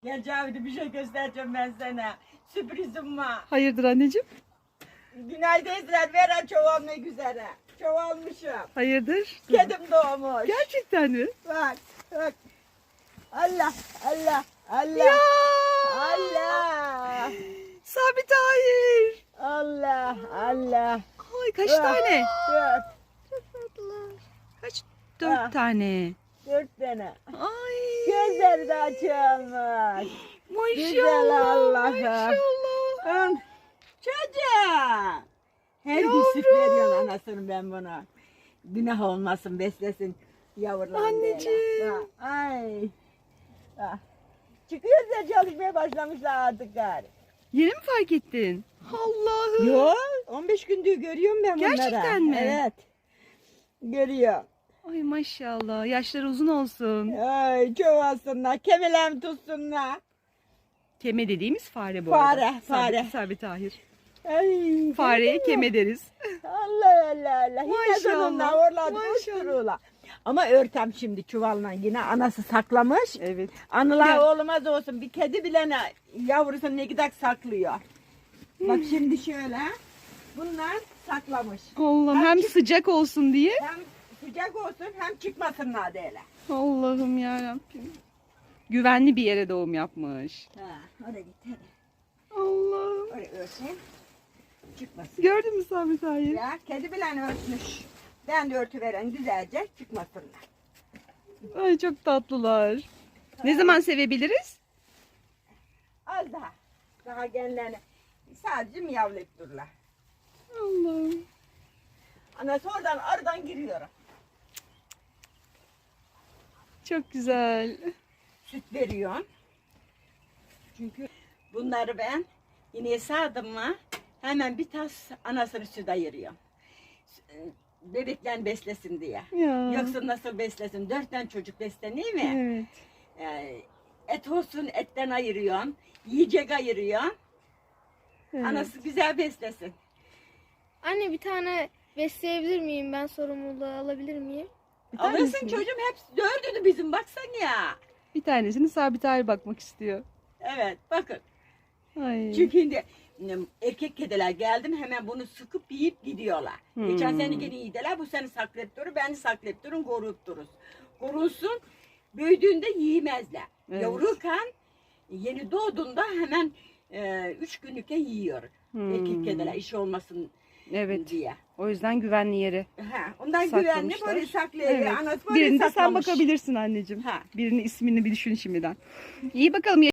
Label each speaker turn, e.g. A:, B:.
A: Gel Cavide, bir şey göstereceğim ben sana. Sürprizim var.
B: Hayırdır anneciğim?
A: Günaydın Ezra. Veren çoğalmak üzere. Çoğalmışım.
B: Hayırdır?
A: Kedim doğmuş.
B: Gerçekten mi?
A: Bak bak. Allah Allah Allah.
B: Ya!
A: Allah.
B: Sabit hayır.
A: Allah Allah.
B: Ay kaç tane?
A: Dört.
B: Kaç? 4
A: Ah.
B: tane.
A: 4 tane.
B: Ay.
A: Gözleri de açılmış. Güzel
B: Maşallah.
A: Allah'ım.
B: Maşallah.
A: Çocuğum. Her gün süt
B: Yavrum.
A: veriyorsun anasını ben buna. Günah olmasın, beslesin yavrularını.
B: Anneciğim.
A: Bak, ay. Bak. Çıkıyoruz ya, çalışmaya başlamışlar artık gari.
B: Yeni mi fark ettin? Allah'ım.
A: Yok, 15 gündür görüyorum ben bunları.
B: Gerçekten mi?
A: Evet. Görüyorum.
B: Ay maşallah. Yaşları uzun olsun.
A: Ay, çoğalsınlar, kemelem tutsunlar.
B: Keme dediğimiz fare bu
A: Fare,
B: arada.
A: fare.
B: Sabit hayır.
A: Ay,
B: Fareye
A: gördün mü?
B: keme deriz.
A: Allah Allah Allah. Yine
B: Maşallah,
A: sonunda orladı
B: maşallah.
A: uçturuyorlar. Ama örtem şimdi çuvalla yine anası saklamış.
B: Evet.
A: Anılar
B: Ya.
A: olmaz olsun. Bir kedi bile yavrusunu ne kadar saklıyor. Bak şimdi şöyle. Bunlar saklamış.
B: Allah'ım
A: Hem
B: hem
A: çık-
B: sıcak olsun diye.
A: Hem sıcak olsun hem çıkmasınlar diye.
B: Allah'ım yarabbim. Güvenli bir yere doğum yapmış.
A: Ha, oraya git hadi.
B: Allah'ım.
A: Oraya örteyim. Çıkmasın.
B: Gördün mü Sabit hayır?
A: Ya kedi bile örtmüş. Ben de örtü veren güzelce çıkmasınlar.
B: Ay çok tatlılar. Ne zaman sevebiliriz?
A: Az daha. Daha genlerini. Sadece miyavlayıp dururlar.
B: Allah'ım.
A: Anası oradan aradan giriyor.
B: Çok güzel.
A: Süt veriyorsun. Çünkü bunları ben yine sağdım mı hemen bir tas anasını süt ayırıyorum. Bebekler beslesin diye.
B: Ya.
A: Yoksa nasıl beslesin? 4 tane çocuk besleniyor mi?
B: Evet.
A: Et olsun etten ayırıyorsun. Yiyecek ayırıyorsun.
B: Evet.
A: Anası güzel beslesin.
C: Anne bir tane besleyebilir miyim? Ben sorumluluğu alabilir miyim?
B: Bir
A: Alırsın
B: tanesini-
A: çocuğum, hepsi dördünü bizim, baksan ya.
B: Bir tanesini Sabit hayır bakmak istiyor.
A: Evet bakın.
B: Ay.
A: Çünkü şimdi erkek kediler geldim hemen bunu sıkıp yiyip gidiyorlar. Geçen sene gene yediler, bu sene saklayıp durur, beni saklayıp durun, koruyup dururuz. Korunsun, büyüdüğünde yiyemezler.
B: Evet.
A: Yavruyken yeni doğduğunda hemen 3 günlükken yiyor. Erkek kediler iş olmasın
B: Evet.
A: diye.
B: O yüzden güvenli yere
A: Ha, ondan güvenli
B: saklamışlar.
A: böyle saklayıyor.
B: Evet.
A: Anası böyle
B: Birini de sen
A: saklamış.
B: bakabilirsin anneciğim.
A: Ha.
B: Birinin ismini bir düşün şimdiden. İyi bakalım.